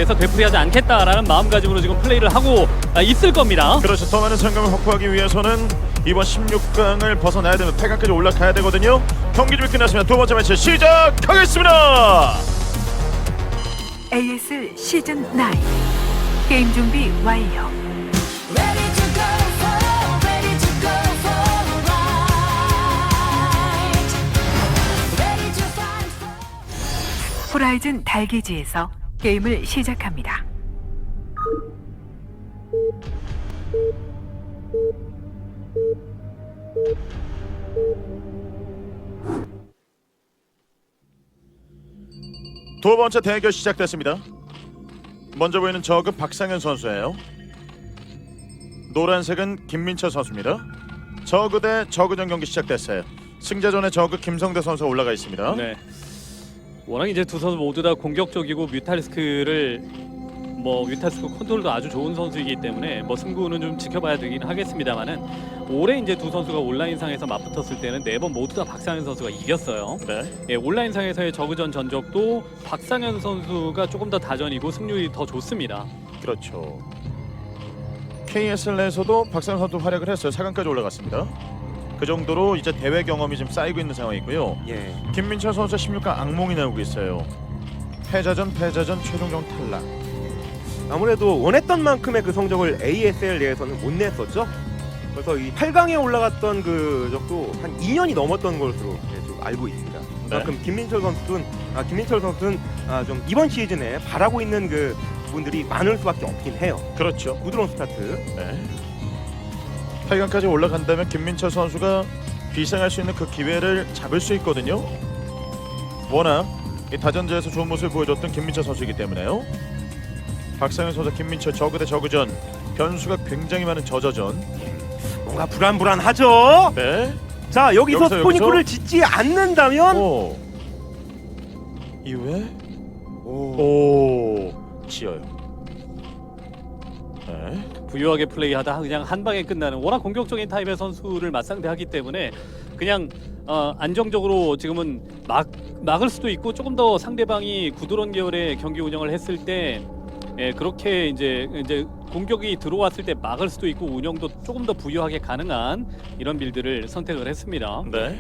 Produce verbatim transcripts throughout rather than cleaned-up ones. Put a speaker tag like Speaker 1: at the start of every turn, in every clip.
Speaker 1: 상황에서 되풀이하지 않겠다라는 마음가짐으로 지금 플레이를 하고 있을 겁니다.
Speaker 2: 그렇죠. 더 많은 성공을 확보하기 위해서는 이번 십육 강을 벗어나야 되면 팔 강까지 올라가야 되거든요. 경기 준비 끝났습니다. 두 번째 매치 시작하겠습니다.
Speaker 3: 에이에스 시즌 나인 게임 준비 완료.
Speaker 4: Ready to go for, ready to go for a ride. Ready to fight for.
Speaker 3: 호라이즌 달기지에서 게임을 시작합니다.
Speaker 2: 두 번째 대결 시작됐습니다. 먼저 보이는 저그 박상현 선수예요. 노란색은 김민철 선수입니다. 저그 대 저그전 경기 시작됐어요. 승자전에 저그 김성대 선수가 올라가 있습니다.
Speaker 1: 네. 워낙 이제 두 선수 모두 다 공격적이고 뮤탈리스크를 뭐 뮤탈리스크 컨트롤도 아주 좋은 선수이기 때문에 뭐 승부는 좀 지켜봐야 되긴 하겠습니다만은 올해 이제 두 선수가 온라인상에서 맞붙었을 때는 네 번 모두 다 박상현 선수가 이겼어요.
Speaker 2: 네.
Speaker 1: 예, 온라인상에서의 저그전 전적도 박상현 선수가 조금 더 다전이고 승률이 더 좋습니다.
Speaker 2: 그렇죠. 케이에스엘에서도 박상현 선수 활약을 했어요. 사 강까지 올라갔습니다. 그 정도로 이제 대회 경험이 좀 쌓이고 있는 상황이고요.
Speaker 5: 예.
Speaker 2: 김민철 선수 십육 강 악몽이 나오고 있어요. 패자전 패자전 최종전 탈락.
Speaker 5: 아무래도 원했던 만큼의 그 성적을 에이에스엘 내에서는 못 냈었죠. 그래서 이 팔 강에 올라갔던 그 적도 한 이 년이 넘었던 것으로 예, 좀 알고 있습니다. 그만큼 김민철 선수는 아, 김민철 선수는 아, 좀 이번 시즌에 바라고 있는 그 부분들이 많을 수밖에 없긴 해요.
Speaker 2: 그렇죠.
Speaker 5: 부드러운 스타트.
Speaker 2: 네. 팔 강까지 올라간다면 김민철 선수가 비상할 수 있는 그 기회를 잡을 수 있거든요. 워낙 이 다전제에서 좋은 모습을 보여줬던 김민철 선수이기 때문에요. 박상현 선수, 김민철 저그 대 저그전 변수가 굉장히 많은 저저전.
Speaker 5: 뭔가 불안불안하죠.
Speaker 2: 네.
Speaker 5: 자 여기서,
Speaker 2: 여기서,
Speaker 5: 스포니크를
Speaker 2: 여기서?
Speaker 5: 짓지 않는다면
Speaker 2: 오. 이후에
Speaker 5: 오.
Speaker 2: 오 지어요. 네.
Speaker 1: 부유하게 플레이하다 그냥 한 방에 끝나는 워낙 공격적인 타입의 선수를 맞상대하기 때문에 그냥 어, 안정적으로 지금은 막 막을 수도 있고 조금 더 상대방이 구드론 계열의 경기 운영을 했을 때 예, 그렇게 이제 이제 공격이 들어왔을 때 막을 수도 있고 운영도 조금 더 부유하게 가능한 이런 빌드를 선택을 했습니다.
Speaker 2: 네.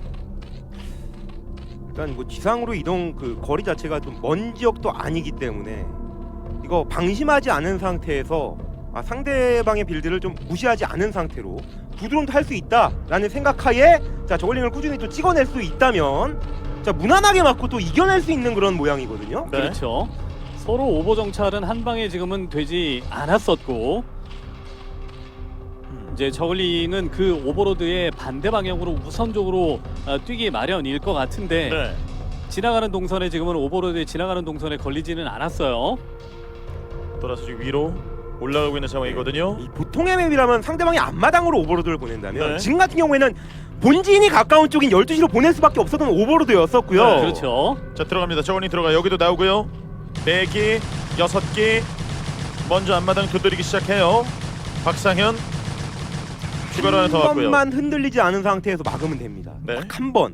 Speaker 5: 일단 뭐 지상으로 이동 그 거리 자체가 좀 먼 지역도 아니기 때문에 이거 방심하지 않은 상태에서 아, 상대방의 빌드를 좀 무시하지 않은 상태로 구드론도 할 수 있다라는 생각하에 자 저글링을 꾸준히 또 찍어낼 수 있다면 자 무난하게 맞고 또 이겨낼 수 있는 그런 모양이거든요.
Speaker 2: 네.
Speaker 1: 그렇죠. 서로 오버 정찰은 한 방에 지금은 되지 않았었고 이제 저글링은 그 오버로드의 반대 방향으로 우선적으로 어, 뛰기 마련일 것 같은데
Speaker 2: 네.
Speaker 1: 지나가는 동선에 지금은 오버로드에 지나가는 동선에 걸리지는 않았어요.
Speaker 2: 돌아서 지금 위로 올라가고 있는 상황이거든요.
Speaker 5: 이 보통의 맵이라면 상대방이 앞마당으로 오버로드를 보낸다면
Speaker 2: 네.
Speaker 5: 지금 같은 경우에는 본진이 가까운 쪽인 열두 시로 보낼 수밖에 없었던 오버로드였었고요.
Speaker 2: 네,
Speaker 1: 그렇죠.
Speaker 2: 자 들어갑니다. 저원이 들어가. 여기도 나오고요. 네 기, 여섯 기. 먼저 앞마당 두드리기 시작해요. 박상현 추가로 하나 더
Speaker 5: 한
Speaker 2: 왔고요.
Speaker 5: 번만 흔들리지 않은 상태에서 막으면 됩니다.
Speaker 2: 네.
Speaker 5: 딱 한 번.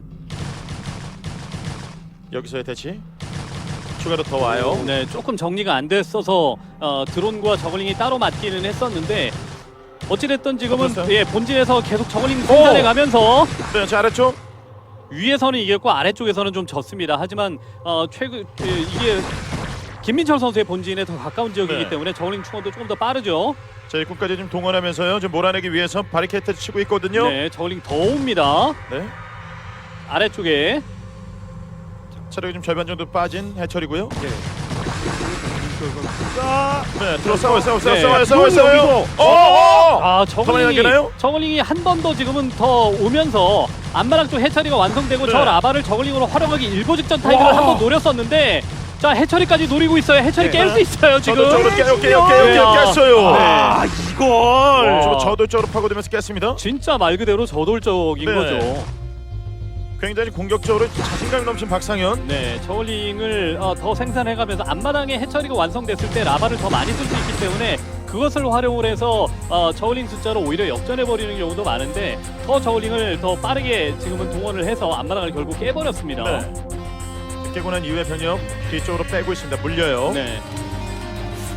Speaker 2: 여기서의 대치. 추가로 더 와요.
Speaker 1: 네, 조금 정리가 안 됐어서 어, 드론과 저글링이 따로 맞기는 했었는데 어찌됐든 지금은
Speaker 2: 덮었어요?
Speaker 1: 예, 본진에서 계속 저글링 생산해 가면서
Speaker 2: 네, 자 아래쪽.
Speaker 1: 위에서는 이겼고 아래쪽에서는 좀 졌습니다. 하지만 어, 최근 그, 이게 김민철 선수의 본진에 더 가까운 지역이기
Speaker 2: 네.
Speaker 1: 때문에 저글링 충원도 조금 더 빠르죠.
Speaker 2: 자 입구까지 좀 동원하면서요. 지금 몰아내기 위해서 바리케이트 치고 있거든요.
Speaker 1: 네, 저글링 더 옵니다.
Speaker 2: 네.
Speaker 1: 아래쪽에
Speaker 2: 체력이 좀 절반 정도 빠진 해철이고요.
Speaker 5: 네. 자,
Speaker 2: 네, 들어 싸워요, 싸워요,
Speaker 1: 네.
Speaker 2: 싸워요, 싸워요, 싸워요.
Speaker 5: 여기서.
Speaker 2: 어, 어,
Speaker 1: 아
Speaker 2: 더 많이
Speaker 1: 저글링이
Speaker 2: 남기나요?
Speaker 1: 저글링이 한 번 더 지금은 더 오면서 안마랑 쪽 해처리가 완성되고
Speaker 2: 네.
Speaker 1: 저 라바를 저글링으로 활용하기 일보 직전 타이밍을
Speaker 2: 와.
Speaker 1: 한번 노렸었는데 자 해처리까지 노리고 있어요. 해처리
Speaker 5: 네.
Speaker 1: 깰 수 있어요 지금.
Speaker 2: 저도 쪽으로 깨요, 깨요, 깨요,
Speaker 1: 네.
Speaker 2: 깨요, 깼어요.
Speaker 5: 아 이걸.
Speaker 2: 저 저돌적으로 파고들면서 깼습니다.
Speaker 1: 진짜 말 그대로 저돌적인
Speaker 2: 네.
Speaker 1: 거죠.
Speaker 2: 굉장히 공격적으로 자신감이 넘친 박상현.
Speaker 1: 네, 저글링을 어, 더 생산해가면서 앞마당에 해처리가 완성됐을 때 라바를 더 많이 쓸 수 있기 때문에 그것을 활용을 해서 어, 저글링 숫자로 오히려 역전해버리는 경우도 많은데 더 저글링을 더 빠르게 지금은 동원을 해서 앞마당을 결국 깨버렸습니다.
Speaker 2: 네. 깨고 난 이후에 변형 뒤쪽으로 빼고 있습니다. 물려요.
Speaker 1: 네.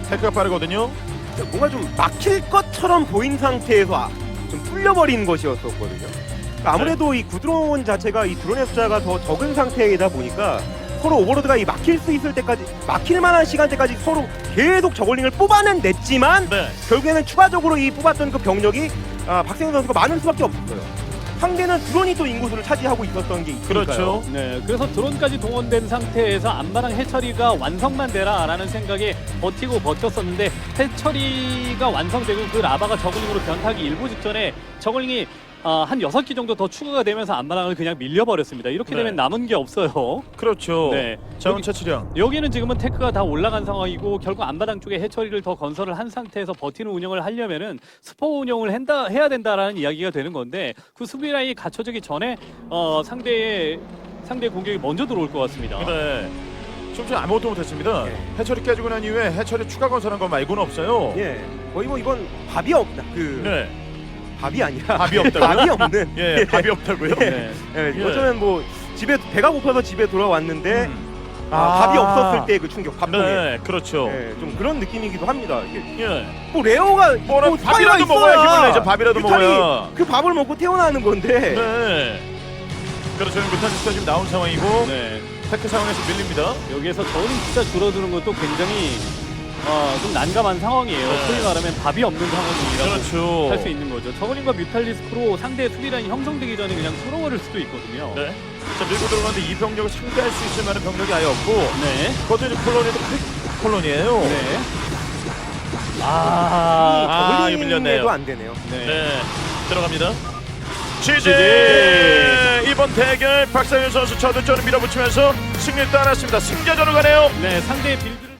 Speaker 2: 테크가 빠르거든요.
Speaker 5: 뭔가 좀 막힐 것처럼 보인 상태에서 아, 좀 뚫려버리는 것이었었거든요. 그러니까 아무래도 이 구드론 자체가 이 드론의 숫자가 더 적은 상태이다 보니까 서로 오버로드가 이 막힐 수 있을 때까지 막힐 만한 시간대까지 서로 계속 저글링을 뽑아는 냈지만
Speaker 2: 네.
Speaker 5: 결국에는 추가적으로 이 뽑았던 그 병력이 아, 박세웅 선수가 많을 수밖에 없었어요. 상대는 드론이 또 인구수를 차지하고 있었던 게 있으니까요.
Speaker 2: 그렇죠.
Speaker 1: 네, 그래서 드론까지 동원된 상태에서 안마랑 해처리가 완성만 되라라는 생각에 버티고 버텼었는데 해처리가 완성되고 그 라바가 저글링으로 변타기 일부 직전에 저글링이 아, 한 여섯 기 정도 더 추가가 되면서 안마랑을 그냥 밀려버렸습니다. 이렇게
Speaker 2: 네.
Speaker 1: 되면 남은 게 없어요.
Speaker 2: 그렇죠.
Speaker 1: 네.
Speaker 2: 자원 차치량.
Speaker 1: 여기는 지금은 테크가 다 올라간 상황이고 결국 안마당 쪽에 해처리를 더 건설을 한 상태에서 버티는 운영을 하려면은 스포 운영을 한다, 해야 된다라는 이야기가 되는 건데 그 수비 라인이 갖춰지기 전에 어, 상대의 상대 공격이 먼저 들어올 것 같습니다.
Speaker 2: 네. 지금 전 아무것도 못했습니다.
Speaker 5: 네.
Speaker 2: 해처리 깨지고 난 이후에 해처리 추가 건설한 거 말고는 없어요.
Speaker 5: 예, 거의 뭐 이건 밥이 없다. 그
Speaker 2: 네.
Speaker 5: 밥이 아니라
Speaker 2: 밥이 없다고요?
Speaker 5: 밥이 없는.
Speaker 2: 예, 밥이 없다고요?
Speaker 1: 네.
Speaker 5: 예,
Speaker 2: 예.
Speaker 5: 어쩌면 뭐 집에 배가 고파서 집에 돌아왔는데
Speaker 2: 음.
Speaker 5: 아, 밥이 없었을 때 그 충격, 밥통에.
Speaker 2: 네, 그렇죠.
Speaker 5: 예, 좀 그런 느낌이기도 합니다. 이게
Speaker 2: 예.
Speaker 5: 뭐 레오가
Speaker 2: 뭐라
Speaker 5: 뭐
Speaker 2: 밥이라도
Speaker 5: 스파이가
Speaker 2: 먹어야
Speaker 5: 있어야
Speaker 2: 힘을 내죠. 밥이라도
Speaker 5: 뮤탈이
Speaker 2: 먹어야.
Speaker 5: 그 밥을 먹고 태어나는 건데.
Speaker 2: 네. 그렇죠. 뮤탄지스가 지금 나온 상황이고
Speaker 1: 네.
Speaker 2: 테크 상황에서 밀립니다.
Speaker 1: 여기에서 저는 진짜 줄어드는 것도 굉장히 어, 좀 난감한 상황이에요.
Speaker 2: 네.
Speaker 1: 소위 말하면 밥이 없는 상황이라고
Speaker 2: 그렇죠.
Speaker 1: 할 수 있는 거죠. 저글링과 뮤탈리스크로 상대의 수비 라인이 형성되기 전에 그냥 뚫어버릴 수도 있거든요.
Speaker 2: 네. 자, 밀고 들어가는데 이 병력을 상대할 수 있을 만한 병력이 아예 없고
Speaker 1: 네.
Speaker 2: 그것도 이제 콜로니도 크 콜로니예요.
Speaker 1: 네. 아,
Speaker 2: 아, 이거 밀렸네요.
Speaker 5: 저글링에도 안 되네요.
Speaker 1: 네.
Speaker 2: 네. 들어갑니다. 지지
Speaker 1: 지지.
Speaker 2: 이번 대결 박상현 선수 저득점을 밀어붙이면서 승리를 따냈습니다. 승자전으로 가네요.
Speaker 1: 네, 상대의 빌드